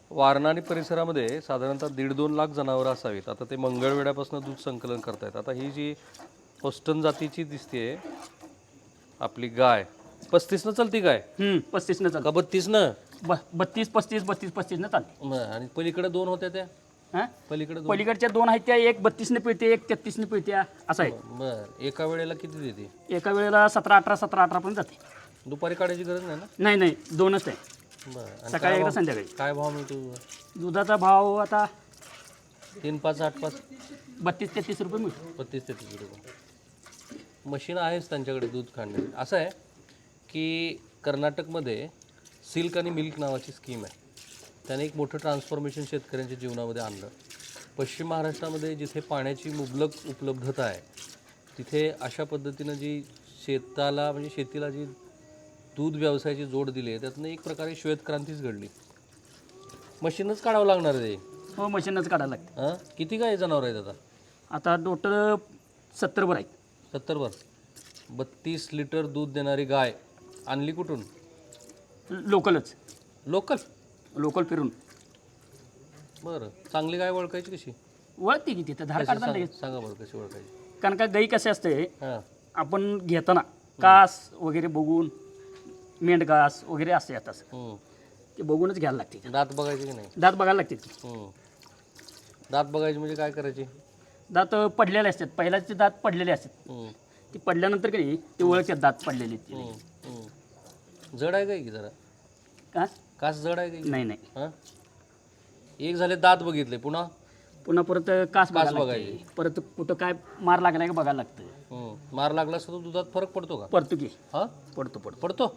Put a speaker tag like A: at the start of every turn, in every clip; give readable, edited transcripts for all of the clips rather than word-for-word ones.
A: वारणा आणि परिसरामध्ये साधारणतः 1.5-2 लाख जनावरं असावीत. आता ते मंगळवेढ्यापासून दूध संकलन करतायत. आता ही जी होस्टन जातीची दिसते आपली गाय 35 चालती गाय
B: 35 न चालतं.
A: का 32
B: 32 35 32 35 न चालते.
A: आणि पलीकडे 2 होत्या त्या
B: हा
A: पलीकडे 2
B: पलीकडच्या 2 आहेत त्या, एक 32 न पिळते, एक 33 न पिळते, असं आहे.
A: बर एका वेळेला किती देते?
B: एका वेळेला 17-18 पण जाते.
A: दुपारी काढायची गरज नाही ना?
B: नाही नाही, 2च आहे,
A: बरं
B: सकाळी एकदा संध्याकाळी.
A: काय भाव मिळतो?
B: दुधाचा भाव आता
A: 3, 5, 8, 5
B: 32-33 रुपये मिळतो.
A: 32-33 रुपये. मशीन आहेच त्यांच्याकडे दूध काढण्याची. असं आहे की कर्नाटकमध्ये सिल्क आणि मिल्क नावाची स्कीम आहे. त्याने एक मोठं ट्रान्सफॉर्मेशन शेतकऱ्यांच्या जीवनामध्ये आणलं. पश्चिम महाराष्ट्रामध्ये जिथे पाण्याची मुबलक उपलब्धता आहे तिथे अशा पद्धतीनं जी शेताला म्हणजे शेतीला जी दूध व्यवसायाची जोड दिली आहे त्यातनं एक प्रकारे श्वेतक्रांतीच घडली. मशीनच काढावं लागणार आहे ते.
B: हो, मशीनच काढायला लागते.
A: हां किती काय जनावर आहेत आता?
B: आता टोटल 70 वर आहेत.
A: 70 वर 32 लिटर दूध देणारी गाय आणली कुठून?
B: लोकलच,
A: लोकल.
B: लोकल फिरून
A: बरं चांगली गाय ओळखायची कशी?
B: वळते की तिथं धार काढताना लगेच.
A: सांगा बरं कशी ओळखायची?
B: कारण का गाई कसे असते,
A: हां
B: आपण घेताना कास वगैरे बघून, मेंढघास वगैरे असते आता ते बघूनच घ्यायला लागते.
A: दात बघायचे की नाही?
B: दात बघायला लागते.
A: दात बघायचे म्हणजे काय करायचे?
B: दात पडलेले असतात, पहिल्याचे दात पडलेले असतात. ते पडल्यानंतर काही ते ओळखतात दात पडलेले आहेत.
A: जड आहे काय की जरा?
B: कास
A: कास जड आहे काय?
B: नाही नाही,
A: हां एक झाले दात बघितले पुन्हा
B: पुन्हा परत कास बघायला
A: बघायची.
B: लागते. परत कुठं काय मार लागला का बघायला लागतं.
A: मार लागला असता तर दुधात फरक पडतो का?
B: पडतो की,
A: हां
B: पडतो पडतो.
A: पडतो.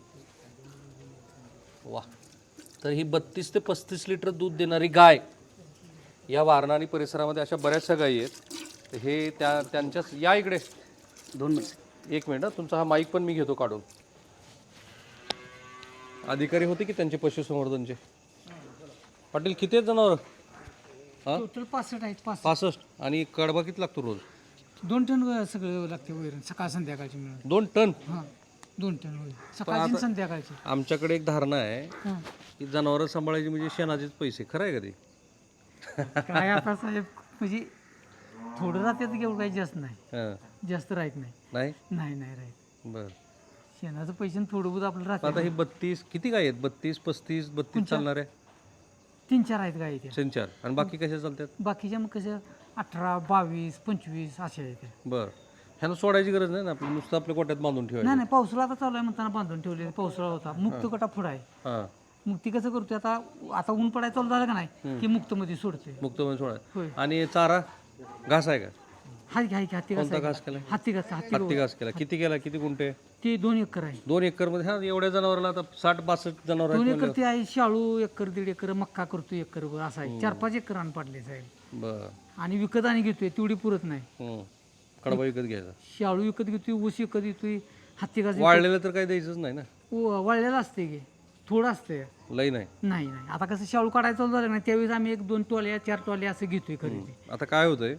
A: वा. तर ही 32 ते 35 लिटर दूध देणारी गाय या वारणा आणि परिसरामध्ये अशा बऱ्याचशा गायी आहेत. हे त्यांच्या या इकडे
B: 2 मिनिट.
A: 1 मिनिट. तुमचा हा माईक पण मी घेतो काढून. अधिकारी होते की त्यांचे पशुसंवर्धनचे? पाटील किती आहेत जनावर? हां
C: टोटल 65 आहेत.
A: 65. आणि कडबा किती लागतो रोज?
C: 2 टन सगळं लागते वैरण, सकाळ संध्याकाळची मिळून.
A: 2 टन?
C: हां 2 टन वैरण, सकाळची आणि संध्याकाळची.
A: आमच्याकडे एक धारणा आहे
C: हां
A: की जनावरं सांभाळायची म्हणजे शेणाचेच पैसे. खरं आहे का ते?
C: काय आता साहेब, म्हणजे थोडं राहतात की एवढं काही जास्त नाही,
A: हां
C: जास्त राहत नाही.
A: नाही
C: नाही नाही राहत.
A: बरं.
C: शेणाचं पैसे थोडं बहुत आपलं राहतं.
A: आता ही 32 किती काय आहेत? 32, 35, 32 चालणार आहे?
C: 3-4 आहेत गाई त्या.
A: 3-4. आणि बाकी कशा चालतात?
C: बाकीच्या मग कसं 18, 22, 25 असे आहेत.
A: बरं. ह्यानं सोडायची गरज नाही ना, आपलं नुसतं आपल्या कोट्यात बांधून ठेवायचं.
C: नाही नाही, पावसाळा आता चालू आहे म्हणताना बांधून ठेवले. पावसाळा होता, मुक्त कटा पुढं आहे.
A: हां
C: मग ती कसं करते आता, आता ऊन पडायला चालू झालं का नाही की मुक्तमध्ये सोडते.
A: मुक्तमध्ये सोडा.
C: होय.
A: आणि चारा घास आहे का?
C: हत्ती
A: कोणता घास केला?
C: हत्ती
A: हत्ती घास केला. किती केला? किती गुंठे?
C: ते 2 एकर आहे.
A: 2 एकरमध्ये. हा एवढ्या जनावराला आता 60-62 जनावर
C: 2
A: आहेत
C: एकर ते आहे. शाळू एकर, 1.5 एकर, मक्का करतो एकर, असं आहे. 4-5 एकर अन्न पाडले साहेब.
A: बरं.
C: आणि विकत आणि घेतोय, तेवढी पुरत नाही.
A: कडबा विकत घ्यायचा.
C: शाळू विकत घेतोय, ऊस विकत घेतोय, हत्ती घास
A: वाळलेलं तर काही द्यायचंच नाही ना?
C: वाळलेलं असते की, थोडं असते.
A: लई नाही.
C: नाही नाही, आता कसं शाळू काढायचं चालू झालं नाही त्यावेळेस आम्ही 1-2 टोल्या 4 टोल्या असं घेतोय खरेदी.
A: आता काय होतंय,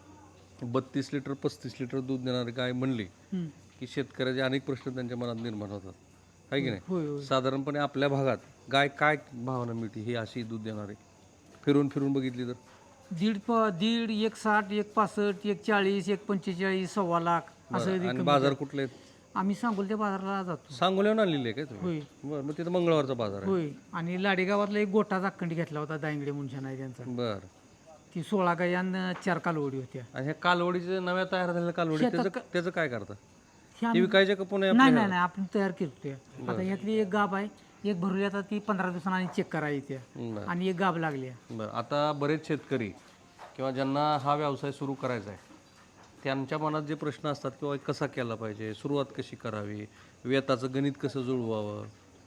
A: 32 लिटर 35 लिटर दूध देणारी गाय म्हणली
C: हम्म.
A: की शेतकऱ्याचे अनेक प्रश्न त्यांच्या मनात निर्माण होतात, आहे की नाही?
C: होय होय.
A: साधारणपणे आपल्या भागात गाय काय भावानं मिळते ही अशी दूध देणारी? फिरून फिरून बघितली तर
C: 1.5, 1.60, 1.65, 1.40, 1.45, 1.25 लाख असं
A: बरं. आणि बाजार कुठले आहेत?
C: आम्ही सांगोलच्या बाजाराला जातो.
A: सांगोल्याहून आणलेली आहे काय तुम्ही?
C: होय
A: बरं. मग तिथं मंगळवारचा बाजार आहे.
C: होय. आणि लाडेगावातला एक गोठा जाखंडी घेतला होता, दांगडे मुंशान आहे त्यांचा.
A: बरं.
C: ती 16 गाई आणि 4 कालवडी होत्या.
A: आणि ह्या कालवडीचे नव्या तयार झालेल्या कालवडी त्याचं काय करता?
C: हे
A: ती
C: आम्ही-
A: विकायच्या का पुणे?
C: नाही नाही नाही, आपण तयार केली होती. आता ह्यातली एक गाभ आहे, एक भरली, आता ती 15 दिवसांनी आणि चेक करायची
A: बरं.
C: आणि एक गाभ लागली.
A: बरं. आता बरेच शेतकरी किंवा ज्यांना हा व्यवसाय सुरू करायचा आहे त्यांच्या मनात जे प्रश्न असतात किंवा कसा केला पाहिजे, सुरुवात कशी करावी, व्यताचं गणित कसं जुळवावं,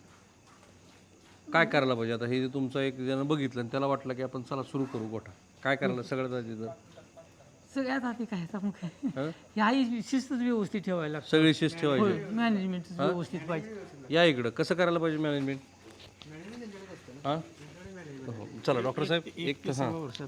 A: काय करायला पाहिजे? आता हे जे तुमचं एक जण बघितलं आणि त्याला वाटलं की आपण चला सुरू करू गोठा, काय करायला सगळ्यात आधी तर
C: सगळ्यात आधी काय आता मग
A: हं?
C: ह्या शिस्तच व्यवस्थित ठेवायला लागतं.
A: सगळी शिस्त ठेवायची.
C: होय, मॅनेजमेंट व्यवस्थित पाहिजे.
A: या इकडं कसं करायला पाहिजे मॅनेजमेंट? हां हो. चला डॉक्टर साहेब एक हां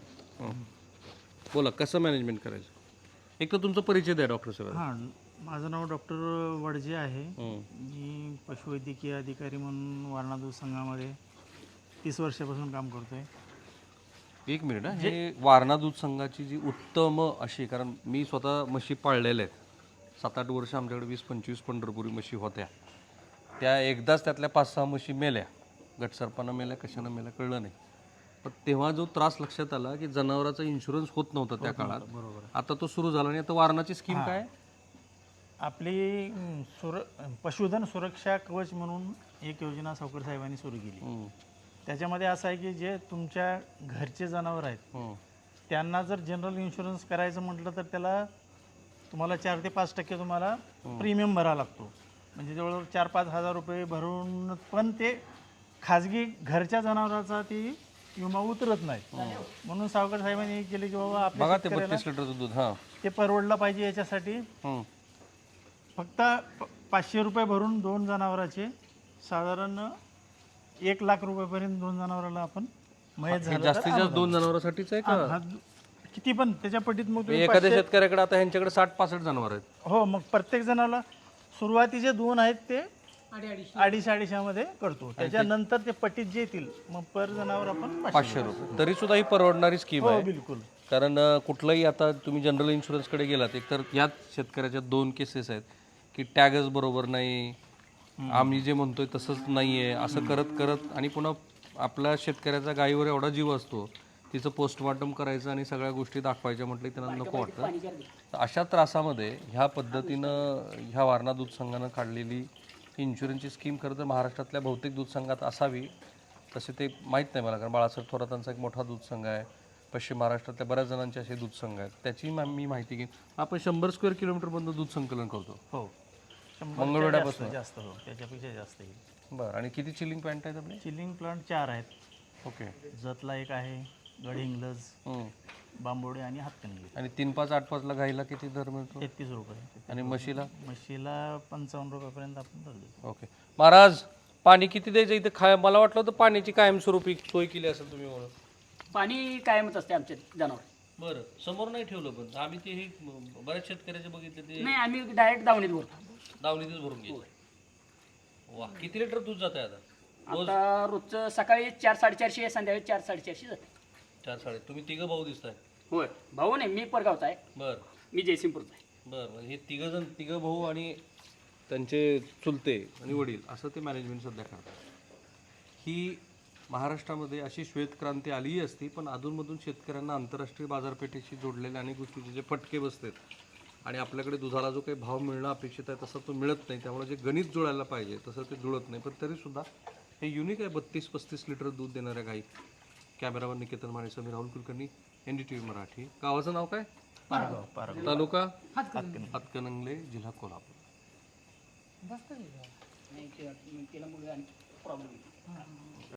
A: बोला कसं मॅनेजमेंट करायचं? एक तर तुमचा परिचय द्या डॉक्टर साहेब.
D: हां, माझं नाव डॉक्टर वडजे आहे.
A: हं.
D: मी पशुवैद्यकीय अधिकारी म्हणून वारणा दूध संघामध्ये 30 वर्षापासून काम करतोय.
A: एक मिनिट हे वारणा दूध संघाची जी उत्तम अशी, कारण मी स्वतः म्हशी पाळलेल्या आहेत 7-8 वर्ष आमच्याकडे 20-25 पंढरपुरी म्हशी होत्या. त्या एकदाच त्यातल्या 5-6 म्हशी मेल्या, गटसर्पानं मेल्या, कशानं मेल्या कळलं नाही. पण तेव्हा जो त्रास लक्षात आला की जनावराचा इन्शुरन्स होत नव्हता त्या काळात. आता तो सुरू झाला आणि आता वारणाची स्कीम काय आहे?
D: आपली पशुधन सुरक्षा कवच म्हणून एक योजना सावकर साहेबांनी सुरू केली. त्याच्यामध्ये असं आहे की जे तुमच्या घरचे जनावर आहेत त्यांना जर जनरल इन्शुरन्स करायचं म्हटलं तर त्याला तुम्हाला 4 ते 5% तुम्हाला प्रीमियम भरावा लागतो. म्हणजे जवळजवळ 4-5 हजार रुपये भरून पण ते खाजगी घरच्या जनावराचा ती विमा उतरत नाही. म्हणून सावकर साहेबांनी केले की बाबा
A: बघा ते
D: आपल्या
A: 32 लिटरचं दूध. हां
D: ते परवडलं पाहिजे याच्यासाठी फक्त 500 रुपये भरून 2 जनावराचे साधारण 1 लाख रुपयापर्यंत 2 जनावराला आपण मयत झालं
A: जास्तीत जास्त 2 जनावरांसाठीच आहे का?
D: किती पण त्याच्या पटीत मग तुम्ही
A: एखाद्या शेतकऱ्याकडे आता ह्यांच्याकडे 60-65 जनावर आहेत.
D: हो, मग प्रत्येक जणाला सुरुवातीचे 2 आहेत ते 250 मध्ये करतो. त्याच्यानंतर ते पटीत जे येतील मग पर जनावर आपण
A: 500 रुपये. तरी सुद्धा ही परवडणारी स्कीम आहे.
D: बिलकुल.
A: कारण कुठलंही आता तुम्ही जनरल इन्शुरन्सकडे गेलात, एकतर याच शेतकऱ्याच्या 2 केसेस आहेत की टॅगच बरोबर नाही, आम्ही जे म्हणतोय तसंच नाही आहे, असं करत करत आणि पुन्हा आपल्या शेतकऱ्याचा गायीवर एवढा जीव असतो, तिचं पोस्टमॉर्टम करायचं आणि सगळ्या गोष्टी दाखवायच्या म्हटलं की त्यांना नको वाटतं. तर अशा त्रासामध्ये ह्या पद्धतीनं ह्या वारणा दूध संघानं काढलेली इन्शुरन्सची स्कीम खरं तर महाराष्ट्रातल्या बहुतेक दूध संघात असावी. तसे ते माहीत नाही मला, कारण बाळासाहेब थोरातांचा एक मोठा दूध संघ आहे, पश्चिम महाराष्ट्रातल्या बऱ्याच जणांचे असे दूध संघ आहेत. त्याची मी माहिती घेईन. आपण 100 स्क्वेअर किलोमीटरमधून दूध संकलन करतो.
D: हो,
A: मंगळवेढ्यापासून
D: जास्त. हो, त्याच्यापेक्षा जास्त येईल.
A: बरं. आणि किती चिलिंग पॉईंट आहेत आपले?
D: चिलिंग प्लांट 4 आहेत.
A: ओके.
D: जतला एक आहे, गडहिंग्लज, बांबोडे आणि हातकणंगले.
A: आणि 3, 5, 8, 5ला गाईला किती दर मिळतो?
D: 33 रुपये.
A: आणि म्हशीला?
D: म्हशीला 55 रुपयापर्यंत आपण दर देतो.
A: ओके. महाराज पाणी किती द्यायचं इथं? मला वाटलं होतं पाण्याची कायमस्वरूपी सोय केली असेल तुम्ही म्हणून.
B: पाणी कायमच असते आमच्या जनावर.
A: बरं. समोर नाही ठेवलं, पण आम्ही ते हे बऱ्याच शेतकऱ्याचे बघितले ते
B: नाही, आम्ही डायरेक्ट दावणीत भरतो.
A: दावणीतच भरून घ्यायचं. वा, किती लिटर दूध जात आहे आता?
B: आता रोजचं सकाळी 4-450, संध्याकाळी 4-450 जाते.
A: 4-4.5. तुम्ही तिघं भाऊ दिसताय.
B: होय, भाऊ नाही, मी परगावचा आहे.
A: बरं
B: मी जयसिंगपूरचा आहे.
A: बरं. हे तिघं भाऊ आणि त्यांचे चुलते आणि वडील असं ते मॅनेजमेंट सध्या करतात. ही महाराष्ट्रामध्ये अशी श्वेतक्रांती आलीही असती, पण अधूनमधून शेतकऱ्यांना आंतरराष्ट्रीय बाजारपेठेशी जोडलेल्या अनेक गोष्टीचे जे फटके बसतात आणि आपल्याकडे दुधाला जो काही भाव मिळणं अपेक्षित आहे तसा तो मिळत नाही. त्यामुळे जे गणित जुळायला पाहिजे तसं ते जुळत नाही. पण तरीसुद्धा हे युनिक आहे. 32-35 लिटर दूध देणाऱ्या गाई. कॅमेरावर निकेतन माने, समीर राहुल कुलकर्णी, NDTV मराठी. गावाचं नाव काय?
D: पारगाव.
A: तालुका हातकणंगले, जिल्हा कोल्हापूर.
B: नाही, तिला मुलं आणि प्रॉब्लेम